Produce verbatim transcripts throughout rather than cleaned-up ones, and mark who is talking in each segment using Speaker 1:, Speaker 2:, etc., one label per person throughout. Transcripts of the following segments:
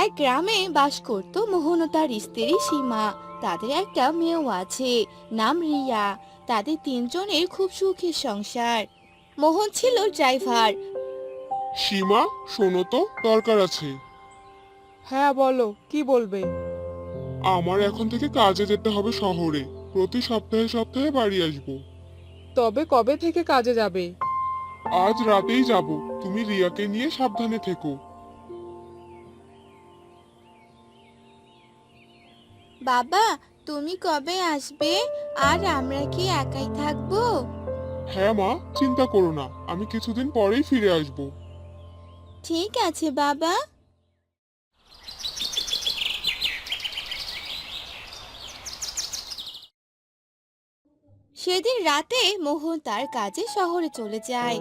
Speaker 1: এক গ্রামে বাস করত মোহন ও তার স্ত্রী সীমা। তাদের একটা মেয়েও আছে, নাম রিয়া। তাদের তিনজনের খুব সুখের সংসার। মোহন ছিল ড্রাইভার।
Speaker 2: সীমা, শোনো তো, দরকার আছে।
Speaker 3: হ্যাঁ বলো, কি বলবে?
Speaker 2: আমার এখন থেকে কাজে যেতে হবে শহরে। প্রতি সপ্তাহে সপ্তাহে বাড়ি আসবো।
Speaker 3: তবে কবে থেকে কাজে যাবে?
Speaker 2: আজ রাতেই যাব। তুমি রিয়াকে নিয়ে সাবধানে থেকো।
Speaker 1: বাবা, তুমি কবে আসবে? আর আমরা কি একাই থাকবো?
Speaker 2: হ্যাঁ মা, চিন্তা করো না, আমি কিছুদিন পরেই ফিরে আসবো।
Speaker 1: ঠিক আছে বাবা। সেদিন রাতে মোহন তার কাজে শহরে চলে যায়।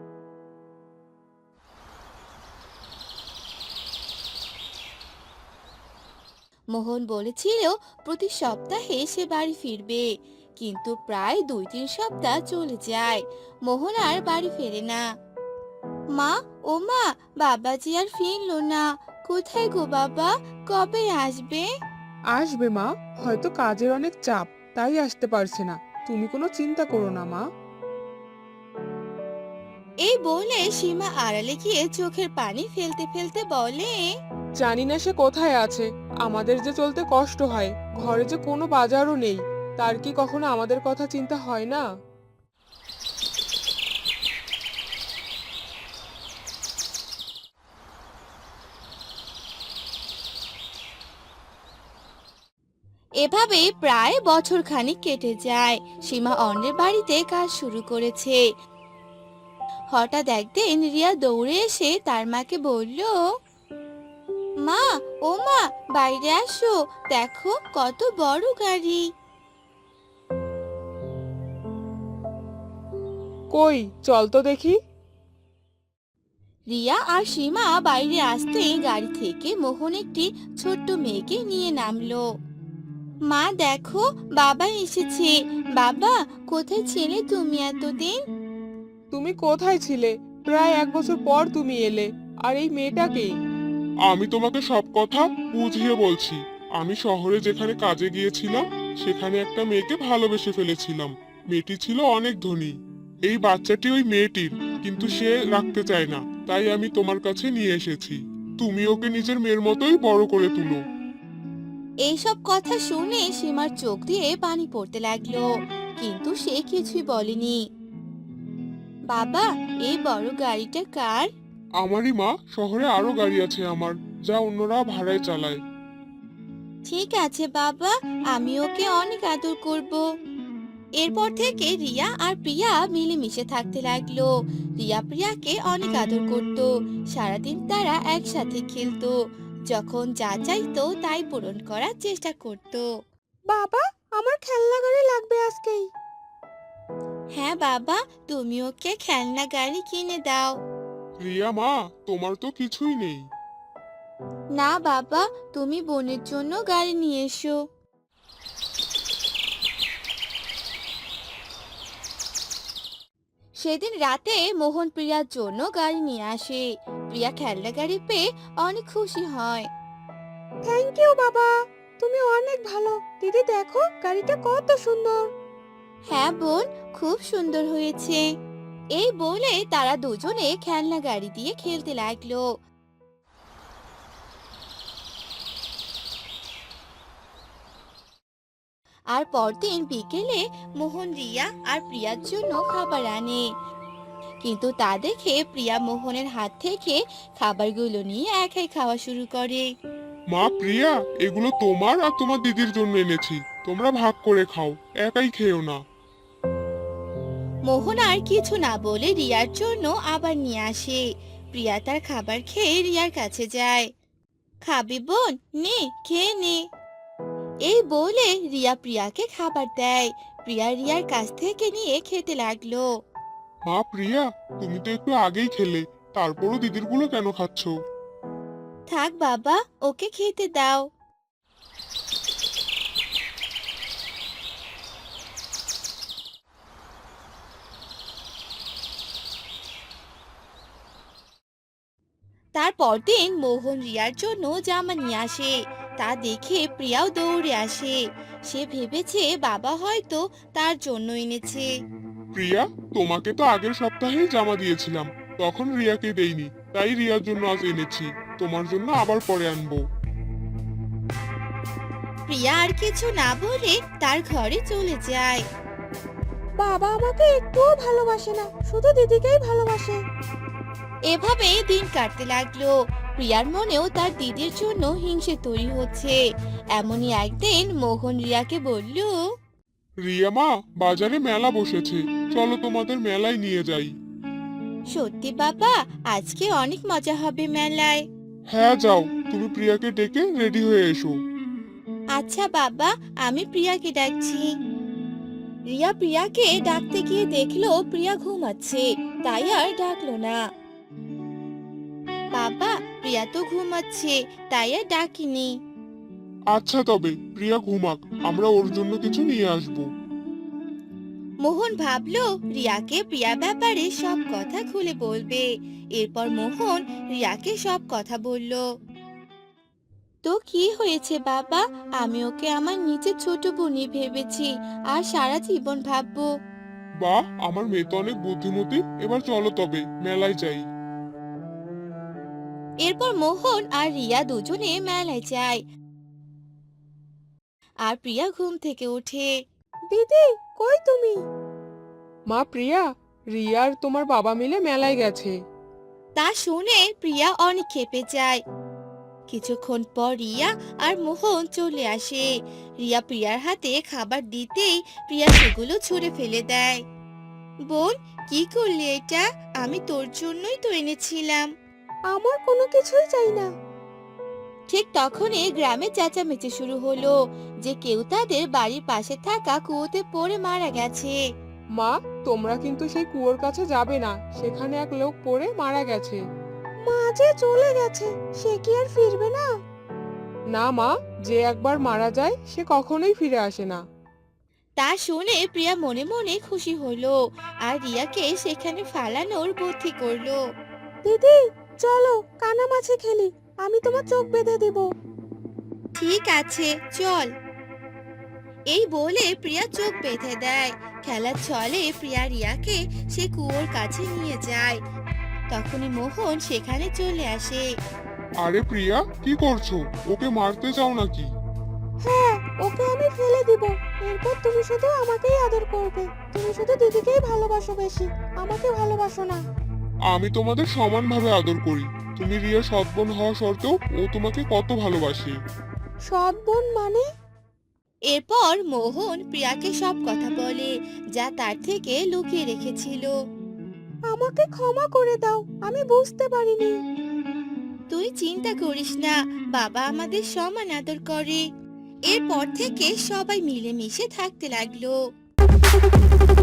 Speaker 1: মোহন বলেছিল প্রতি সপ্তাহে সে বাড়ি ফিরবে, কিন্তু প্রায় দুই তিন সপ্তাহ চলে যায়, মোহন আর বাড়ি ফেরে না। মা, ও মা, বাবাজি আর ফিরলো না। কোথায় গো বাবা? কবে আসবে?
Speaker 3: আসবে মা, হয়তো কাজের অনেক চাপ, তাই আসতে পারছে না। তুমি কোনো চিন্তা করো না মা।
Speaker 1: এই বলে সীমা আড়ালে গিয়ে চোখের পানি ফেলতে ফেলতে বলে,
Speaker 3: জানি না সে কোথায় আছে। আমাদের যে চলতে কষ্ট হয়, ঘরে যে কোনো বাজারও নেই, তার কি কখনো আমাদের কথা চিন্তা হয় না?
Speaker 1: এভাবে প্রায় বছর খানিক কেটে যায়। সীমা অন্যের বাড়িতে কাজ শুরু করেছে। হঠাৎ একদিন রিয়া দৌড়ে এসে তার মাকে বলল, মা, ও মা, বাইরে আসো, দেখো কত বড় গাড়ি।
Speaker 3: কই, চল তো দেখি।
Speaker 1: রিয়া আর সীমা বাইরে আসতেই গাড়ি থেকে মোহন একটি ছোট্ট মেয়েকে নিয়ে নামলো। মা দেখো, বাবা এসেছে। বাবা, কোথায় ছিলে তুমি এতদিন?
Speaker 3: তুমি কোথায় ছিলে? প্রায় এক বছর পর তুমি এলে। আর এই মেয়েটাকে?
Speaker 2: আমি তোমাকে সব কথা বুঝিয়ে বলছি। আমি শহরে যেখানে কাজে গিয়েছিলাম, সেখানে একটা মেয়েকে ভালোবেসে ফেলেছিলাম। মেয়েটি ছিল অনেক ধনী। এই বাচ্চাটি ওই মেয়েটির, কিন্তু সে রাখতে চায় না, তাই আমি তোমার কাছে নিয়ে এসেছি। তুমি ওকে নিজের মেয়ের মতোই বড় করে তুলো।
Speaker 1: এইসব কথা শুনে সীমার চোখ দিয়ে পানি পড়তে লাগলো, কিন্তু সে কিছুই বলেনি। বাবা, এই বড় গাড়িটা কার?
Speaker 2: আমারই মা, শহরে আরো গাড়ি আছে আমার, যা অন্যরা ভাড়ায় চালায়।
Speaker 1: ঠিক আছে বাবা, আমি ওকে অনেক আদর করব। এরপর থেকে রিয়া আর প্রিয়া মিলেমিশে থাকতে লাগলো। রিয়া প্রিয়াকে অনেক আদর করত। সারাদিন তারা একসাথে খেলতো। যখন যা চাইতো তাই পূরণ করার চেষ্টা করত।
Speaker 3: বাবা, আমার খেলনা গাড়ি লাগবে আজকেই।
Speaker 1: হ্যাঁ বাবা, তুমি ওকে খেলনা গাড়ি কিনে দাও।
Speaker 2: রিয়া মা, তোমার তো কিছুই নেই।
Speaker 1: না বাবা, তুমি বোনের জন্য গাড়ি নিয়ে এসো। সেদিন রাতে মোহন প্রিয়ার জন্য গাড়ি নিয়ে আসে। প্রিয়া খেলনা গাড়ি পেয়ে অনেক খুশি হয়।
Speaker 3: থ্যাংক ইউ বাবা, তুমি অনেক ভালো। দিদি দেখো, গাড়িটা কত সুন্দর।
Speaker 1: হ্যাঁ বোন, খুব সুন্দর হয়েছে। এই বলে তারা দুজনে খেলনা গাড়ি দিয়ে খেলতে লাগলো। আর পরদিন বিকেলে মোহন রিয়া আর প্রিয়ার জন্য খাবার আনে, কিন্তু তা দেখে প্রিয়া মোহনের হাত থেকে খাবারগুলো নিয়ে একাই খাওয়া শুরু করে।
Speaker 2: মা প্রিয়া, এগুলো তোমার আর তোমার দিদির জন্য এনেছি। তোমরা ভাগ করে খাও, একাই খেও না।
Speaker 1: মোহন আর কিছু না বলে রিয়ার জন্য আবার নিয়ে আসে। প্রিয়া তার খাবার খেয়ে রিয়ার কাছে যায়। খাবি বোন? নে, খেয়ে নে। এই বলে রিয়া প্রিয়াকে খাবার দেয়। প্রিয়া রিয়ার কাছ থেকে নিয়ে খেতে লাগলো।
Speaker 2: মা প্রিয়া, তুমি তো একটু আগেই খেলে, তারপরও দিদির গুলো কেন খাচ্ছো?
Speaker 1: থাক বাবা, ওকে খেতে দাও। তারপর দিন মোহন রিয়ার জন্য জামা নিয়ে আসে। তা দেখে প্রিয়াও দৌড়ে আসে। সে ভেবেছে বাবা হয়তো তার জন্য এনেছে।
Speaker 2: প্রিয়া, তোমাকে তো আগের সপ্তাহেই জামা দিয়েছিলাম, তখন রিয়াকে দেইনি, তাই রিয়ার জন্য আজ এনেছি। তোমার জন্য আবার পরে আনবো।
Speaker 1: প্রিয়া আর কিছু না বলে তার ঘরে চলে যায়।
Speaker 4: বাবা আমাকে একটুও ভালোবাসে না, শুধু দিদিকেই ভালোবাসে।
Speaker 1: এভাবে দিন কাটতে লাগলো। প্রিয়ার মনেও তার দিদির জন্য হিংসে তৈরি হচ্ছে। এমনই একদিন মোহন রিয়াকে বলল,
Speaker 2: রিয়া মা, বাজারে মেলা বসেছে, চলো তোমাদের মেলায় নিয়ে যাই।
Speaker 1: সত্যি বাবা, আজকে অনেক মজা হবে মেলায়।
Speaker 2: হ্যাঁ যাও, তুমি প্রিয়াকে ডেকে রেডি হয়ে এসো।
Speaker 1: আচ্ছা বাবা, আমি প্রিয়াকে ডাকছি। রিয়া প্রিয়াকে ডাকতে গিয়ে দেখলো প্রিয়া ঘুমাচ্ছে, তাই আর ডাকলো না। বাবা, প্রিয়া তো ঘুমাচ্ছে, তাই আর ডাকিনি।
Speaker 2: আচ্ছা তবে প্রিয়া ঘুমাক, আমরা ওর জন্য কিছু নিয়ে আসবো।
Speaker 1: মোহন ভাবলো রিয়াকে প্রিয়া ব্যাপারে সব কথা খুলে বলবে। এরপর মোহন রিয়াকে সব কথা বলল। তো কি হয়েছে বাবা, আমি ওকে আমার নিজের ছোট বোনই ভেবেছি, আর সারা জীবন ভাববো।
Speaker 2: বাহ, আমার মেয়ে তো অনেক বুদ্ধিমতী। এবার চলো তবে মেলায় যাই।
Speaker 1: এরপর মোহন আর রিয়া দুজনে মেলায় যায়। আর প্রিয়া ঘুম থেকে ওঠে।
Speaker 4: দিদি, কই তুমি?
Speaker 3: মা প্রিয়া, রিয়া আর তোমার বাবা মিলে মেলায় গেছে।
Speaker 1: তা শুনে প্রিয়া অনেক ক্ষেপে যায়। কিছুক্ষণ পর রিয়া আর মোহন চলে আসে। রিয়া প্রিয়ার হাতে খাবার দিতেই প্রিয়া সেগুলো ছুঁড়ে ফেলে দেয়। বোন, কি করলি এটা? আমি তোর জন্যই তো এনেছিলাম।
Speaker 4: আমার কোনো কিছুই চাই না।
Speaker 1: ঠিক তখনই গ্রামে চেঁচামেচি শুরু হলো যে কেউ তাদের বাড়ির পাশে থাকা কুয়োতে পড়ে মারা গেছে।
Speaker 3: মা, তোমরা কিন্তু সেই কুয়োর কাছে যাবে না, সেখানে এক লোক পড়ে মারা গেছে।
Speaker 4: মা যে চলে গেছে, সে কি আর ফিরবে না?
Speaker 3: না মা, যে একবার মারা যায় সে কখনোই ফিরে আসে না।
Speaker 1: তা শুনে প্রিয়া মনে মনে খুশি হলো আর রিয়াকে সেখানে ফালানোর বুদ্ধি করলো।
Speaker 4: দিদি, চলো কানামাছি খেলি, আমি তোমার চোখ বেঁধে দিব।
Speaker 1: ঠিক আছে, চল। এই বলে প্রিয়া চোখ বেঁধে দেয়। খেলার ছলে প্রিয়া রিয়াকে সে কুয়োর কাছে নিয়ে যায়। তখনই মোহন সেখানে চলে আসে।
Speaker 2: আরে প্রিয়া, কি করছো? ওকে মারতে চাও নাকি?
Speaker 4: হ্যাঁ, ওকে আমি ফেলে দিব। এরপর তুমি শুধু আমাকেই আদর করবে। তুমি শুধু দিদিকেই ভালোবাসো বেশি, আমাকে ভালোবাসো না।
Speaker 2: আমি তোমাদের সমানভাবে আদর করি। তুমি রিয়া সৎ বোন হওয়া সত্ত্বেও ও তোমাকে কত ভালোবাসে।
Speaker 4: সৎ বোন মানে?
Speaker 1: এরপর মোহন প্রিয়াকে সব কথা বলে যা তার থেকে লুকিয়ে রেখেছিল।
Speaker 4: আমাকে ক্ষমা করে দাও, আমি বুঝতে পারিনি।
Speaker 1: তুই চিন্তা করিস না, বাবা আমাদের সমান আদর করে। এরপর থেকে সবাই মিলেমিশে থাকতে লাগলো।